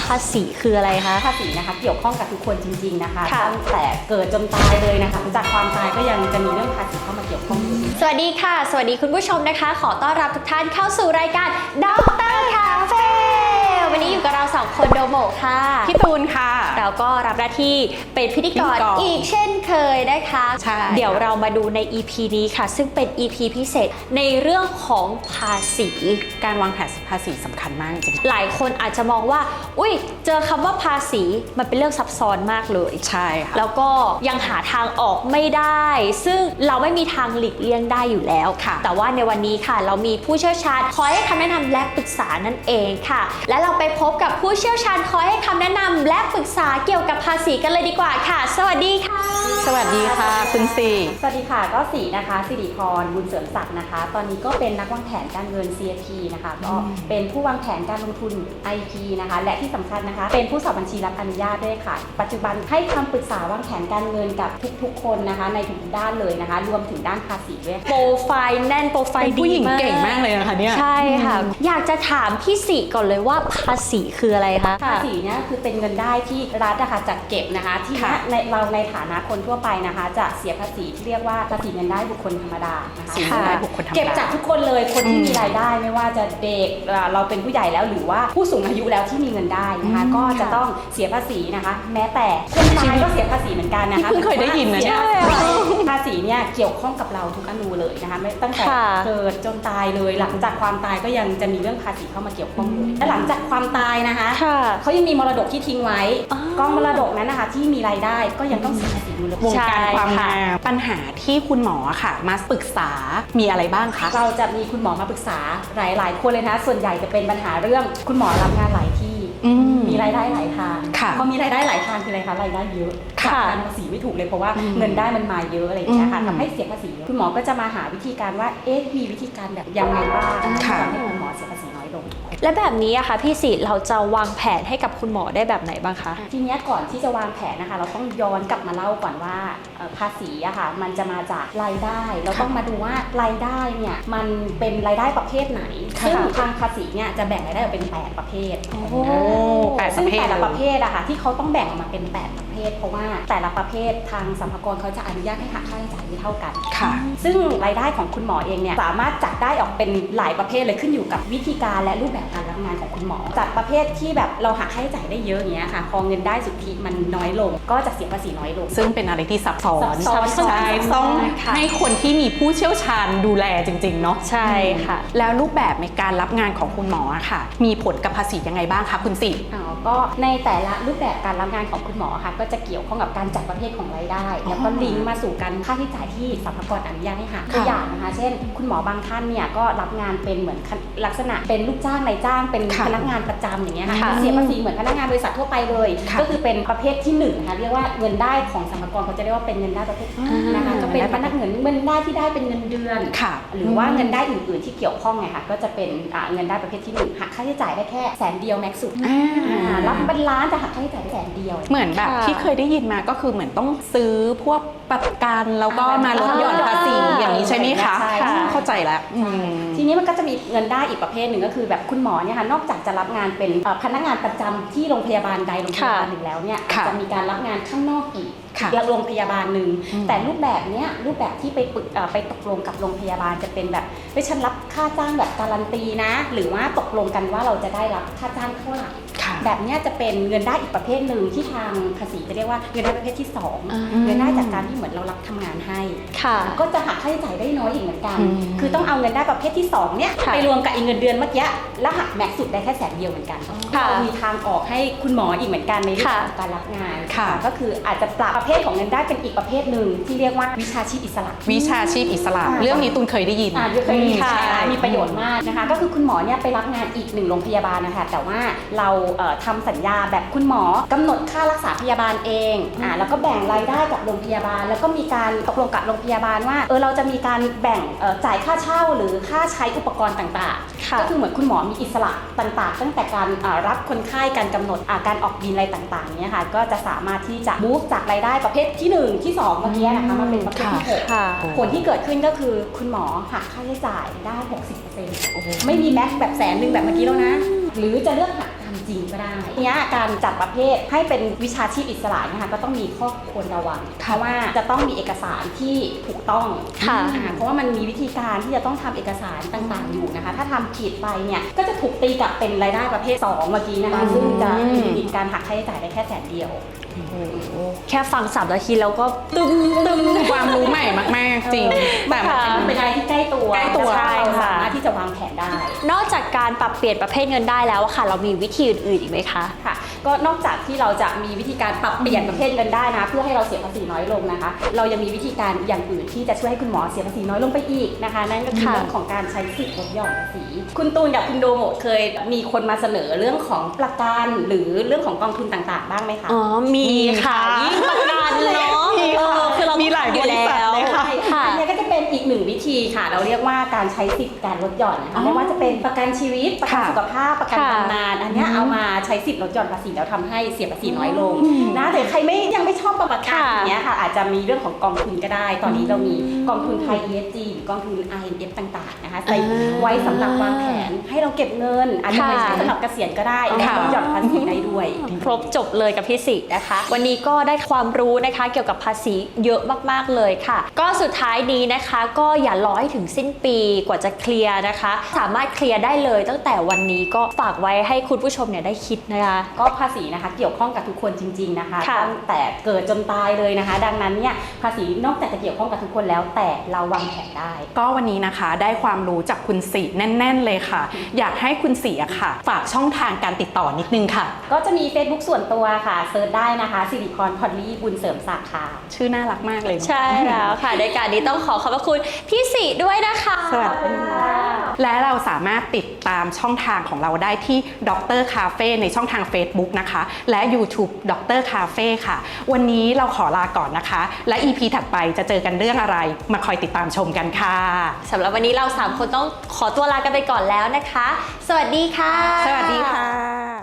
ภาษีคืออะไรคะภาษีนะคะเกี่ยวข้องกับทุกคนจริงๆนะคะตั้งแต่เกิดจนตายเลยนะคะจากความตายก็ยังจะมีเรื่องภาษีเข้ามาเกี่ยวข้องอยู่สวัสดีค่ะสวัสดีคุณผู้ชมนะคะขอต้อนรับทุกท่านเข้าสู่รายการด็อกเตอร์คาเฟ่วันนี้อยู่กับเรา2คนโดโมค่ะพี่ตูนค่ะเราก็รับหน้าที่เป็นพิธีกรอีกเช่นเคยนะคะเดี๋ยวเรามาดูใน EP นี้ค่ะซึ่งเป็น EP พิเศษในเรื่องของภาษีการวางแผนภาษีสำคัญมากจริงหลายคนอาจจะมองว่าอุ้ยเจอคำว่าภาษีมันเป็นเรื่องซับซ้อนมากเลยใช่ค่ะแล้วก็ยังหาทางออกไม่ได้ซึ่งเราไม่มีทางหลีกเลี่ยงได้อยู่แล้วแต่ว่าในวันนี้ค่ะเรามีผู้เชี่ยวชาญคอยให้คำแนะนำและปรึกษานั่นเองค่ะและเราไปพบกับผู้เชี่ยวชาญคอยให้คำแนะนำและปรึกษาเกี่ยวกับภาษีกันเลยดีกว่าค่ะสวัสดีค่ะสวัสดีค่ะคุณสีสวัสดีค่ะก็สีนะคะสิริพรบุญเสริมศักดิ์นะคะตอนนี้ก็เป็นนักวางแผนการเงิน CFP นะคะก็เป็นผู้วางแผนการลงทุน IP นะคะและที่สำคัญนะคะเป็นผู้สอบบัญชีรับอนุญาตด้วยค่ะปัจจุบันให้คำปรึกษาวางแผนการเงินกับทุกๆคนนะคะในทุกด้านเลยนะคะรวมถึงด้านภาษีด้วยโปรไฟล์แน่นโปรไฟล์ดีผู้หญิงเก่งมากเลยนะคะเนี่ยใช่ค่ะอยากจะถามพี่สิก่อนเลยว่าภาษีคืออะไรคะภาษีเนี่ยคือเป็นเงินได้ที่รัฐนะคะจัดเก็บนะคะที่เราในฐานะคนทั่วไปนะคะจะเสียภาษีที่เรียกว่าภาษีเงินได้บุคคลธรรมดานะคะเก็บจากทุกคนเลยคนที่มีรายได้ไม่ว่าจะเด็กเราเป็นผู้ใหญ่แล้วหรือว่าผู้สูงอายุแล้วที่มีเงินได้นะคะก็จะต้องเสียภาษีนะคะแม้แต่คนตายก็เสียภาษีเหมือนกันนะคะเพิ่งเคยได้ยินนะเนี่ยภาษีเนี่ยเกี่ยวข้องกับเราทุกอนูเลยนะคะไม่ตั้งแต่เกิดจนตายเลยหลังจากความตายก็ยังจะมีเรื่องภาษีเข้ามาเกี่ยวข้องอยู่และหลังจากความตายนะคะเขายังมีมรดกที่ทิ้งไว้กองมรดกนั้นนะคะที่มีรายได้ก็ยังต้องเสียภาษีอยู่เลยวงการความงามปัญหาที่คุณหมอค่ะมาปรึกษามีอะไรบ้างคะเราจะมีคุณหมอมาปรึกษาหลายคนเลยนะคะส่วนใหญ่จะเป็นปัญหาเรื่องคุณหมอรับงานหลายที่มีรายได้หลายทางพอมีรายได้หลายทางคืออะไรคะรายได้เยอะการภาษีไม่ถูกเลยเพราะว่าเงินได้มันมาเยอะอะไรอย่างเงี้ยค่ะทำให้เสียภาษีคุณหมอก็จะมาหาวิธีการว่ามีวิธีการแบบยังไงบ้างที่ทำให้คุณหมอเสียภาษีน้อยลงและแบบนี้อะค่ะพี่สิเราจะวางแผนให้กับคุณหมอได้แบบไหนบ้างคะทีนี้ก่อนที่จะวางแผนนะคะเราต้องย้อนกลับมาเล่าก่อนว่าภาษีอะค่ะมันจะมาจากรายได้เราต้องมาดูว่ารายได้เนี่ยมันเป็นรายได้ประเภทไหนซึ่งทางภาษีเนี่ยจะแบ่งรายได้ออกเป็น8ประเภทซึ่งแต่ละประเภทอะค่ะที่เขาต้องแบ่งออกมาเป็น8ประเภทเพราะว่าแต่ละประเภททางสรรพากรเขาจะอนุญาตให้หักค่าใช้จ่ายไม่เท่ากันซึ่งรายได้ของคุณหมอเองเนี่ยสามารถจัดได้ออกเป็นหลายประเภทเลยขึ้นอยู่กับวิธีการและรูปแบบการรับงานของคุณหมอจัดประเภทที่แบบเราหักค่าใช้จ่ายได้เยอะอย่างเงี้ยค่ะพอเงินได้สุทธิมันน้อยลงก็จะเสียภาษีน้อยลงซึ่งเป็นอะไรที่ซับซ้อนใช่ต้องให้คนที่มีผู้เชี่ยวชาญดูแลจริงๆเนาะใช่ค่ะแล้วรูปแบบในการรับงานของคุณหมอค่ะมีผลกับภาษียังไงบ้างคะคุณสิก็ในแต่ละรูปแบบการรับงานของคุณหมอค่ะก็จะเกี่ยวข้องกับการจัดประเภทของรายได้แล้วก็ลิงก์มาสู่การค่าใช้จ่ายที่สรรพากรอนุญาตให้หักตัวอย่างนะคะเช่นคุณหมอบางท่านเนี่ยก็รับงานเป็นเหมือนลักษณะเป็นลูกจ้างนายจ้างเป็นพนักงานประจำอย่างเงี้ยค่ะเสียภาษีเหมือนพนักงานบริษัททั่วไปเลยก็คือเป็นประเภทที่1นะคะเรียกว่าเงินได้ของสรรพากรเขาจะเรียกว่าเป็นเงินได้ประเภทนะคะก็เป็นพนักงานเงินได้ที่ได้เป็นเงินเดือนหรือว่าเงินได้อื่นๆที่เกี่ยวข้องไงค่ะก็จะเป็นเงินได้ประเภทที่1หักค่าใช้จ่ายได้แค่100,000แม็กซ์สุดรับเป็นล้านจะหักค่าใช้จ่ายได้100,000 เหมือนแบบที่เคยได้ยินมาก็คือเหมือนต้องซื้อพวกประกันแล้วก็มาลดหย่อนภาษีอย่างนี้ใช่ไหมคะเข้าใจแล้วทีนี้มันก็จะมีเงินได้อีกประเภทหนึ่งก็คือแบบคุณหมอเนี่ยค่ะนอกจากจะรับงานเป็นพนักงานประจำที่โรงพยาบาลใดโรงพยาบาลหนึ่งแล้วเนี่ยจะมีการรับงานข้างนอกอีกโรงพยาบาลหนึ่งแต่รูปแบบเนี้ยรูปแบบที่ไปตกลงกับโรงพยาบาลจะเป็นแบบไม่ฉันรับค่าจ้างแบบการันตีนะหรือว่าตกลงกันว่าเราจะได้รับค่าจ้างเท่าไหร่แบบนี้จะเป็นเงินได้อีกประเภทหนึ่งที่ทางภาษีจะเรียกว่าเงินได้ประเภทที่2เงินได้จากการที่เหมือนเรารับทำงานให้ก็จะหักค่าใช้จ่ายได้น้อยอีกเหมือนกันคือต้องเอาเงินได้ประเภทที่2เนี่ยไปรวมกับเงินเดือนเมื่อกี้แล้วหักแม็กซ์สุดได้แค่100,000เหมือนกันมีทางออกให้คุณหมออีกเหมือนกันในเรื่องของการรับงานก็คืออาจจะปรับประเภทของเงินได้เป็นอีกประเภทหนึ่งที่เรียกว่าวิชาชีพอิสระวิชาชีพอิสระเรื่องนี้ตุนเคยได้ยินเคยได้ยินมีประโยชน์มากนะคะก็คือคุณหมอเนี่ยไปรับงานอีก1โรงพยาบาลนะคะแต่ว่าเราทำสัญญาแบบคุณหมอกำหนดค่ารักษาพยาบาลเองแล้วก็แบ่งรายได้กับโรงพยาบาลแล้วก็มีการตกลงกับโรงพยาบาลว่าเราจะมีการแบ่งจ่ายค่าเช่าหรือค่าใช้อุปกรณ์ต่างๆก็คือเหมือนคุณหมอมีอิสระต่างๆตั้งแต่การรับคนไข้การกำหนดการออกบินอะไรต่างๆเนี่ยค่ะก็จะสามารถที่จะมูฟจากรายได้ประเภทที่1ที่2เมื่อกี้นะคะมาเป็นประเภทที่6ผลที่เกิดขึ้นก็คือคุณหมอหักค่าใช้จ่ายได้ 60% ไม่มีแม็กซ์แบบ100,000แบบเมื่อกี้แล้วนะหรือจะเลือกหักตามริงๆก็ได้เนี้ยการจัดประเภทให้เป็นวิชาชีพอิสระนะคะก็ต้องมีข้อควรระวังเพราะว่าจะต้องมีเอกสารที่ถูกต้องเพราะว่ามันมีวิธีการที่จะต้องทำเอกสารต่างๆอยู่นะคะถ้าทำผิดไปเนี่ยก็จะถูกตีกลับเป็นรายได้ประเภท2เมื่อกี้นะคะซึ่งจะมีการหักค่าใช้จ่ายได้แค่100,000 แค่ฟัง3 นาทีแล้วก็ตึมความรู้ใหม่มากๆจริงแต่มันเป็นอะไรที่ใกล้ตัวใช่เราค่ะสามารถที่จะวางแผนได้นอกจากการปรับเปลี่ยนประเภทเงินได้แล้วค่ะเรามีวิธีอื่นๆอีกไหมคะค่ะก็นอกจากที่เราจะมีวิธีการปรับเปลี่ยนประเภทเงินได้นะเพื่อให้เราเสียภาษีน้อยลงนะคะเรายังมีวิธีการอย่างอื่นที่จะช่วยให้คุณหมอเสียภาษีน้อยลงไปอีกนะคะนั่นก็คือเรื่องของการใช้สิทธิ์ลดหย่อนภาษีคุณตูนกับคุณโดโมเคยมีคนมาเสนอเรื่องของประกันหรือเรื่องของกองทุนต่างๆบ้างไหมคะอ๋อมีค่ะยิ่งประกันเนาะคือเรามีหลายบริษัทเลยค่ะอันนี้ก็จะเป็นอีกหนึ่งวิธีค่ะเราเรียกว่าการใช้สิทธิ์การลดหย่อนนะคะไม่ว่าจะเป็นประกันชีวิตประกันสุขภาพประกันบำนาญอันนี้เอามาใช้สิทธิ์ลดหย่อนภาษีแล้วทำให้เสียภาษีน้อยลงนะแต่ใครยังไม่ชอบประกันอย่างเงี้ยค่ะอาจจะมีเรื่องของกองทุนก็ได้ตอนนี้เรามีกองทุนไทย ESG หรือกองทุน INF ต่างๆนะคะใส่ไว้สำหรับวางแผนให้เราเก็บเงินอาจจะไปใช้สำหรับเกษียณก็ได้ลดหย่อนภาษีได้ด้วยครบจบเลยกับพี่สินะคะวันนี้ก็ได้ความรู้นะคะเกี่ยวกับภาษีเยอะมากๆเลยค่ะก็สุดท้ายนี้นะคะก็อย่ารอให้ถึงสิ้นปีกว่าจะเคลียร์นะคะสามารถเคลียร์ได้เลยตั้งแต่วันนี้ก็ฝากไว้ให้คุณผู้ชมเนี่ยได้คิดนะคะก็ภาษีนะคะเกี่ยวข้องกับทุกคนจริงๆนะคะตั้งแต่เกิดจนตายเลยนะคะดังนั้นเนี่ยภาษีนอกจากจะเกี่ยวข้องกับทุกคนแล้วแต่เราวางแผนได้ก็วันนี้นะคะได้ความรู้จากคุณศรีแน่นๆเลยค่ะอยากให้คุณศรีอะค่ะฝากช่องทางการติดต่อนิดนึงค่ะก็จะมี Facebook ส่วนตัวค่ะเซิร์ชได้นะคะสิริพรพอลลี่บุญเสริมศักดิ์ค่ะชื่อน่ารักมากเลยใช่แล้วค่ะในการนี้ต้องขอบพระคุณพี่ศรีด้วยนะคะสวัสดีค่ะและเราสามารถติดตามช่องทางของเราได้ที่ดรคาเฟ่ในช่องทาง Facebook นะคะและ YouTube ดรคาเฟ่ค่ะวันนี้เราขอลาก่อนนะคะและ EP ถัดไปจะเจอกันเรื่องอะไรมาคอยติดตามชมกันค่ะสำหรับวันนี้เรา3 คนต้องขอตัวลากันไปก่อนแล้วนะคะสวัสดีค่ะสวัสดีค่ะ